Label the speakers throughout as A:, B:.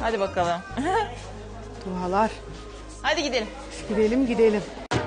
A: Hadi bakalım.
B: Dualar.
A: Hadi gidelim.
B: Gidelim gidelim.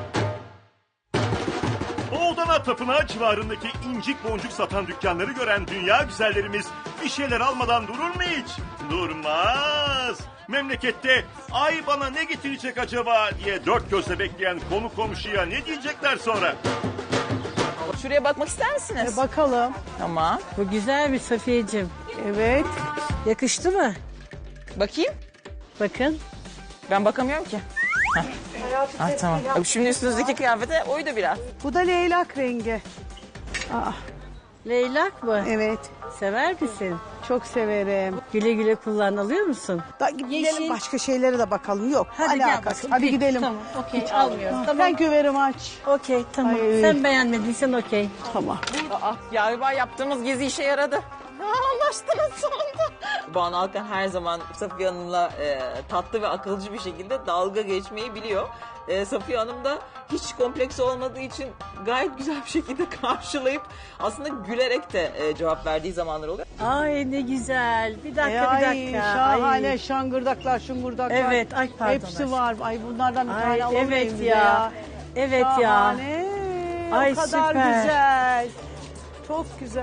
C: Oğdana Tapınağı civarındaki incik boncuk satan dükkanları gören dünya güzellerimiz bir şeyler almadan durur mu hiç? Durmaz. Memlekette ay bana ne getirecek acaba diye dört gözle bekleyen konu komşuya ne diyecekler sonra?
A: Şuraya bakmak ister misiniz?
B: Bakalım.
A: Tamam.
D: Bu güzel bir Safiyeciğim.
B: Evet.
D: Yakıştı mı?
A: Bakayım.
D: Bakın.
A: Ben bakamıyorum ki. Ah tamam. Şimdi üstünüzdeki kıyafete uydu biraz.
B: Bu da leylak rengi. Aa,
D: Leylak mı?
B: evet.
D: Sever misin?
B: Çok severim.
D: Güle güle kullan, alıyor musun?
B: Gidelim
D: Yeşil.
B: başka şeylere de bakalım. Yok.
D: Hadi gel
B: alakası.
D: bakalım.
B: Hadi
D: Peki,
B: gidelim.
D: Tamam, okey. Almıyoruz. Tamam.
B: Sen küverimi aç.
D: Okey, tamam.
B: Ay.
D: Sen beğenmediysen okey.
B: Tamam.
A: Galiba yaptığımız gezi işe yaradı. Anlaştınız sonunda. Banu Alkan her zaman Safiye Hanım'la tatlı ve akılcı bir şekilde dalga geçmeyi biliyor. Safiye Hanım da hiç kompleks olmadığı için gayet güzel bir şekilde karşılayıp aslında gülerek de cevap verdiği zamanlar oluyor.
D: Ay ne güzel. Bir dakika, bir
B: Ay,
D: dakika.
B: şahane
D: Ay.
B: şangırdaklar, şungurdaklar.
D: Evet, ay pardon.
B: Hepsi var. Ay bunlardan bir
D: Ay,
B: tane alalım
D: evet
B: evimize
D: ya. Evet ya.
B: Şahane.
D: Ay,
B: o kadar
D: süper.
B: güzel. Çok güzel.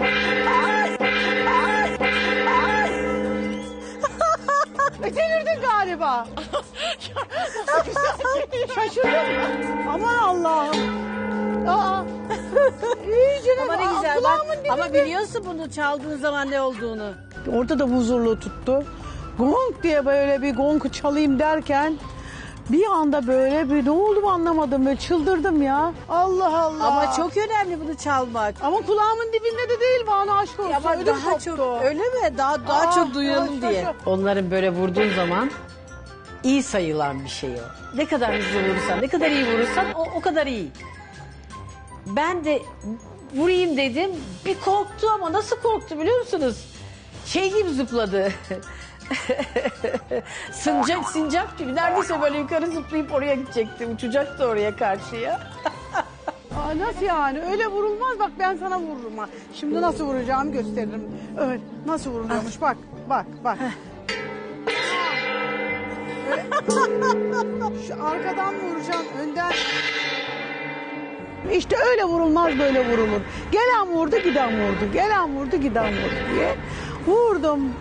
B: Delirdin galiba. Şaşırdım. Aman Allah'ım. Aa. İyice
D: Ama ne güzel bak. Ama biliyorsun bunu çaldığın zaman ne olduğunu.
B: Orada da huzurlu tuttu. Gong diye böyle bir gong çalayım derken bir anda böyle bir ne oldu anlamadım. Böyle çıldırdım ya. Allah Allah.
D: Ama çok önemli bunu çalmak.
B: Ama kulağımın dibinde de değil bana aşk olsun.
D: Ama
B: Ödüm
D: daha
B: koptu.
D: çok öyle mi? Daha çok duyalım
B: çok,
D: diye.
B: çok.
D: Onların böyle vurduğun zaman iyi sayılan bir şey o. Ne kadar hızlı vurursan, ne kadar iyi vurursan o kadar iyi. Ben de vurayım dedim. Bir korktu ama nasıl korktu biliyor musunuz? Şey gibi zıpladı. Sincap gibi. Neredeyse böyle yukarı zıplayıp oraya gidecekti. Uçacaktı oraya karşıya.
B: Aa, nasıl yani? Öyle vurulmaz. Bak ben sana vururum ha. Şimdi nasıl vuracağımı gösteririm. Öyle. Nasıl vuruluyormuş? Bak, bak, bak. Öyle. Şu arkadan mı vuracaksın? Önden. İşte öyle vurulmaz, böyle vurulur. Gelen vurdu, giden vurdu. Gelen vurdu, giden vurdu diye. Vurdum.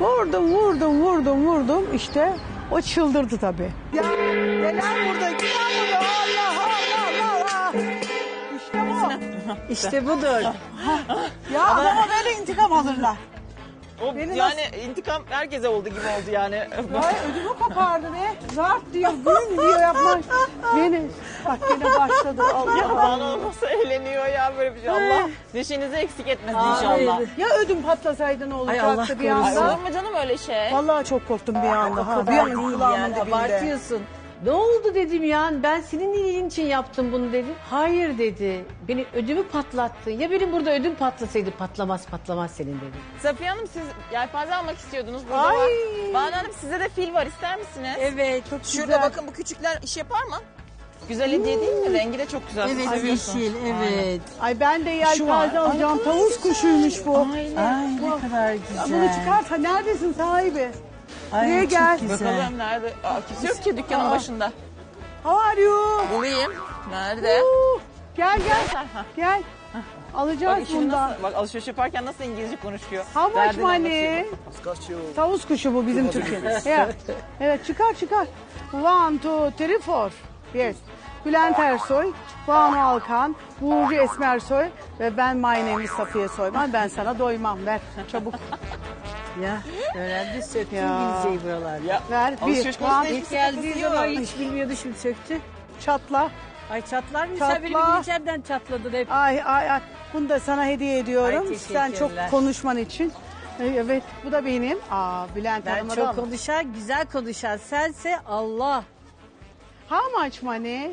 B: Vurdum. İşte o çıldırdı tabii. Ya gelen vurdu, giden vurdu. Allah. İşte bu.
D: İşte budur.
B: Ya adama böyle intikam alırlar.
A: O
B: Beni
A: yani intikam herkese oldu gibi oldu yani.
B: Ay ödümü kopardı be. Zart diyor, gün diyor yapmak. Beni, bak gene başladı.
A: Ya
B: Allah.
A: Banu nasıl eğleniyor ya böyle bir şey. Allah neşenizi eksik etmesin inşallah.
B: Ya ödüm patlasaydı ne olacaktı
D: Allah
B: bir
A: Ay,
B: anda?
A: olur mu canım öyle şey?
B: Vallahi çok korktum bir anda. Ha, bir
D: kadar
B: an
D: değil
B: kulağımın
D: yani,
B: dibinde.
D: abartıyorsun. Ne oldu dedim ya, ben senin iyiliğin için yaptım bunu dedi. Hayır dedi, beni ödümü patlattı. Ya benim burada ödüm patlasaydı patlamaz senin dedi.
A: Safiye Hanım siz yelpaze almak istiyordunuz. Burada
B: Ay.
A: var. Banu Hanım size de fil var ister misiniz?
D: Evet, çok
A: Şurada
B: güzel.
A: bakın bu küçükler iş yapar mı? Güzel hediye değil mi? Rengi de çok güzel. Siz
D: Evet,
A: seviyorsunuz.
D: yeşil, evet.
B: Ay ben de yelpaze alacağım. Tavus kuşuymuş bu.
D: Ay ne kadar
B: Ya
D: güzel.
B: bunu çıkarsa neredesin sahibi?
D: Ay,
B: Buraya
D: çok
B: gel.
D: güzel.
A: Bakalım nerede? Aa, kimse yok ki dükkanın başında.
B: How are you?
A: Bulayım. Nerede?
B: Gel.
A: Ha.
B: Gel.
A: Bak,
B: Alacağız
A: şimdi
B: bundan.
A: nasıl, bak alışveriş yaparken nasıl İngilizce konuşuyor.
B: How much
A: Derdini
B: money?
A: anlatıyor.
B: Tavus kuşu bu bizim Türkiye'de. Evet. Evet çıkar. 1, 2, 3, 4. Yes. Bülent Ersoy, Banu Alkan, Burcu Esmersoy ve ben my name is Safiye Soyman. Ben sana doymam. Ver çabuk.
D: Ya öğrendi, söktü
B: Ya.
D: İngilizceyi buralar.
A: Ya,
B: Ver bir.
A: alışveriş konusunda
B: One,
D: İlk geldiği zaman hiç bilmiyordu, şimdi söktü.
B: çatla.
D: Ay çatlar mı? Sen benim
B: Çatla.
D: İngilizcemden çatladın hep.
B: Ay. Bunu da sana hediye ediyorum.
D: Ay,
B: Sen çok
D: teşekkürler.
B: konuşman için. Evet bu da benim. Bülent
D: Ben
B: Hanım'a
D: çok
B: da.
D: konuşan, güzel konuşan sense Allah.
B: How much money?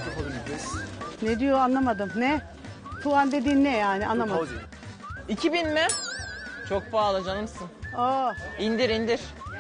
B: Ne diyor anlamadım. Ne? Tuan dediğin ne yani anlamadım.
A: 2000 mi? Çok pahalı canımsın.
B: Aa,
A: İndir.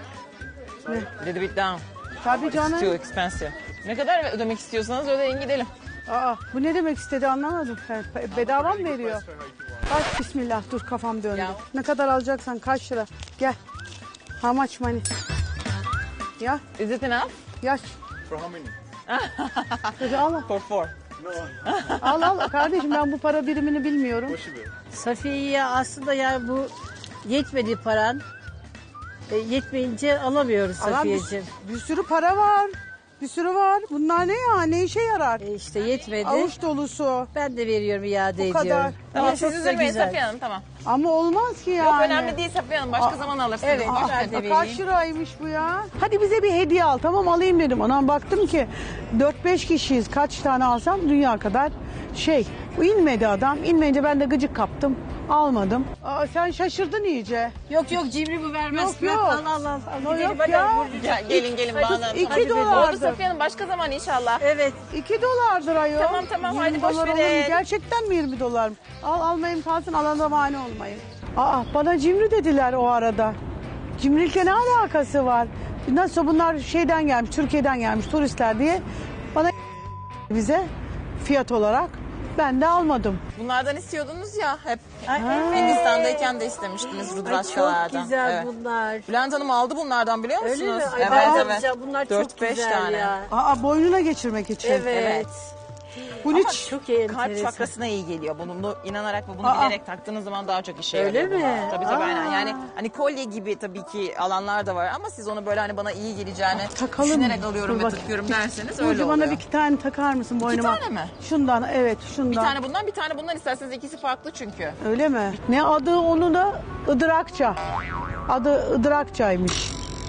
A: Little bit down.
B: tabii
A: It's too
B: canım.
A: expensive. Ne kadar ödemek istiyorsanız ödeyin gidelim.
B: Bu ne demek istedi anlamadım. Bedava mı veriyor? Bak bismillah dur kafam döndü.
A: Ya.
B: Ne kadar alacaksan kaç lira? Gel. How much money? Ya,
A: Is it enough?
B: yaş.
C: For how many?
B: Hadi al.
A: For four.
B: Al kardeşim, ben bu para birimini bilmiyorum.
D: Safiye'ye aslında yani bu yetmedi paran. Yetmeyince alamıyoruz
B: Alan
D: Safiye'ciğim.
B: bir sürü para var. Bir sürü var. Bunlar ne ya? Ne işe yarar?
D: İşte yetmedi.
B: Avuç dolusu.
D: Ben de veriyorum, iade
B: Bu kadar.
D: ediyorum.
A: Tamam
D: Ama
A: siz
D: çok da
A: üzülmeyin
D: güzel.
A: Safiye Hanım tamam.
B: Ama olmaz ki yani.
A: Yok önemli değil Safiye Hanım başka zaman alırsınız.
D: evet,
A: Boş
D: ben
A: verin.
D: de
B: Kaç liraymış bu ya? Hadi bize bir hediye al. Tamam, alayım dedim. Anam baktım ki 4-5 kişiyiz. Kaç tane alsam dünya kadar şey. Bu inmedi adam. İnmeyince ben de gıcık kaptım. Almadım. Aa, sen şaşırdın iyice.
D: Yok cimri bu vermez.
B: Yok.
D: Al.
B: Yok
D: Gidelim, hadi,
B: ya.
D: hadi.
A: Gelin bana.
B: İki
A: Hadi
B: dolardı.
A: Oldu Safiye Hanım başka zaman inşallah.
D: Evet.
B: 2 dolardır ayol.
A: Tamam,
B: 20
A: hadi boş
B: dolar olur mu?
A: verin.
B: Gerçekten mi 20 dolar mı? Almayayım kalsın, alana mani olmayın. Bana cimri dediler o arada. Cimrilikle ne alakası var? Nasıl bunlar şeyden gelmiş, Türkiye'den gelmiş turistler diye bana bize fiyat olarak ben de almadım.
A: Bunlardan istiyordunuz ya hep.
D: evet.
A: Hindistan'dayken de istemiştiniz
D: Ay,
A: rudraşkalardan.
D: çok güzel
A: Evet.
D: bunlar.
A: Bülent Hanım aldı bunlardan biliyor musunuz?
D: Öyle mi? Ay,
A: Evet
D: bayağı
A: evet.
D: güzel. Bunlar çok
A: 4-5
D: güzel
A: tane.
D: ya.
B: Boynuna geçirmek için.
D: Evet.
B: Bu
A: Ama
B: hiç
D: Çok iyi.
A: kalp çakrasına iyi geliyor. Bunu inanarak ve bunu
B: Aa.
A: bilerek taktığınız zaman daha çok işe
D: Öyle
A: yarıyor.
D: mi?
A: bunlar. Tabii aynen. Yani hani kolye gibi tabii ki alanlar da var ama siz onu böyle hani bana iyi geleceğini
B: takalım.
A: düşünerek alıyorum
B: Dur
A: ve
B: bak.
A: takıyorum derseniz
B: Burcu,
A: öyle
B: bana
A: oluyor.
B: bir iki tane takar mısın boynuma?
A: tane mi?
B: Şundan, evet şundan.
A: Bir tane bundan bir tane bundan isterseniz ikisi farklı çünkü.
B: Öyle mi? Ne adı onu da Idırakça. Adı Idırakçaymış.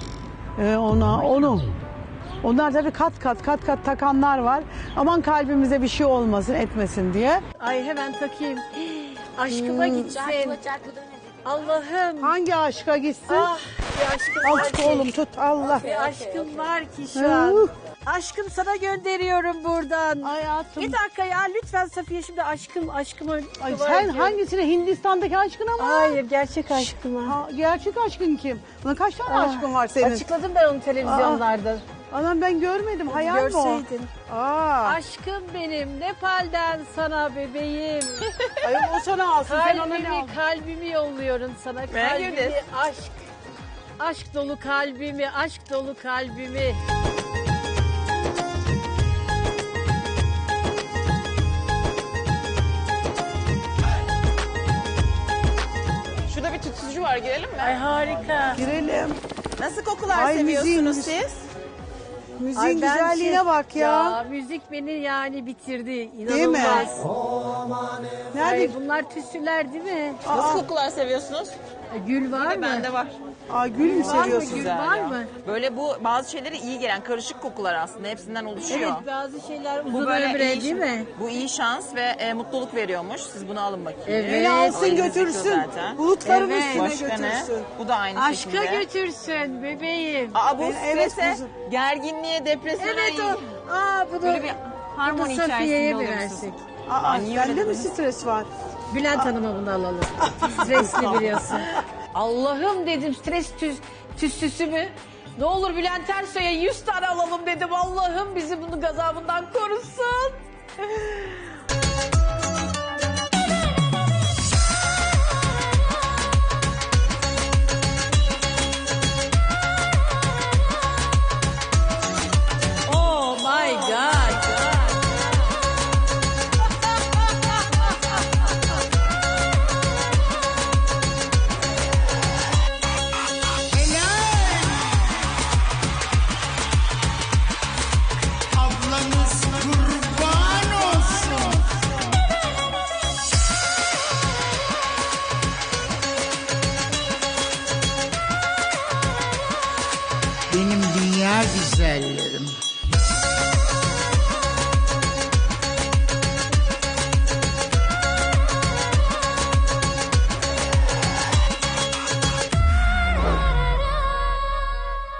B: Onu. Onlar tabii kat kat takanlar var. Aman kalbimize bir şey olmasın etmesin diye.
D: Ay hemen takayım. Aşkıma gitsin. Allah'ım.
B: Hangi aşka gitsin?
D: Ah bir aşkım
B: Al
D: var
B: tut
D: ki.
B: oğlum tut Allah.
D: Bir aşkım var ki şu an. Aşkım sana gönderiyorum buradan.
B: Hayatım.
D: Bir dakika ya lütfen Safiye şimdi aşkıma.
B: Ay, sen hangisine, Hindistan'daki aşkına mı?
D: Hayır gerçek aşkıma.
B: Gerçek aşkın kim? Buna kaç tane aşkın var senin?
D: Açıkladım ben onu televizyonlarda.
B: Anam ben görmedim. Hayal mi o?
D: Görseydin.
B: Aşkım
D: benim Nepal'den sana bebeğim.
B: Ay, o sana alsın. Sen ona ne al?
D: Kalbimi yolluyorum sana.
A: Kalbimi,
D: aşk. Aşk dolu kalbimi, aşk dolu kalbimi.
A: Şurada bir tütsücü var girelim mi?
D: Ay harika.
B: Girelim.
A: Nasıl kokular
B: Ay,
A: seviyorsunuz
B: müziğin-
A: siz?
B: Müziğin güzelliğine bak ya.
D: Müzik beni yani bitirdi.
B: Değil mi?
D: İnanılmaz.
B: Nerede?
D: Ay, bunlar tüsüler değil mi?
A: Nasıl kokular seviyorsunuz?
D: Gül var mı?
A: Bende var.
B: Gül mü
D: Var mı?
B: seviyorsun?
D: Gül
A: Güzel
D: var
A: ya.
D: mı?
A: Böyle bu bazı şeyleri iyi gelen karışık kokular aslında hepsinden oluşuyor.
D: Evet bazı şeyler
A: Bu
D: uzun
A: böyle
D: ömre
A: iyi,
D: değil mi?
A: Bu iyi şans ve mutluluk veriyormuş. Siz bunu alın bakayım.
D: Evet.
B: Beni alsın
A: Elinizdeki
B: götürsün.
A: zaten.
B: Bulutların
D: Evet.
B: üstüne
A: Başka ne?
B: götürsün.
A: Bu da aynı
D: Aşka
A: şekilde.
D: götürsün bebeğim.
A: Aa bu
B: Evet,
A: strese,
B: kuzum.
A: gerginliğe, depresyona
D: Evet
A: iyi.
D: o. Bunu,
A: Böyle bir
D: bunu
A: harmoni
D: Safiye'ye
A: içerisinde
D: mi
A: oluyorsunuz.
D: versek?
A: niye öyle
B: Bende mi
A: dediniz?
B: stres var?
D: Bülent Hanım'a bunu alalım. Stresli biliyorsun. Allah'ım dedim stres tüssüsü mü? Ne olur Bülent Ersoy'a 100 tane alalım dedim. Allah'ım bizi bunun gazabından korusun. Oh my God.
E: Ablanız kurban olsun. Benim dünya güzelleri.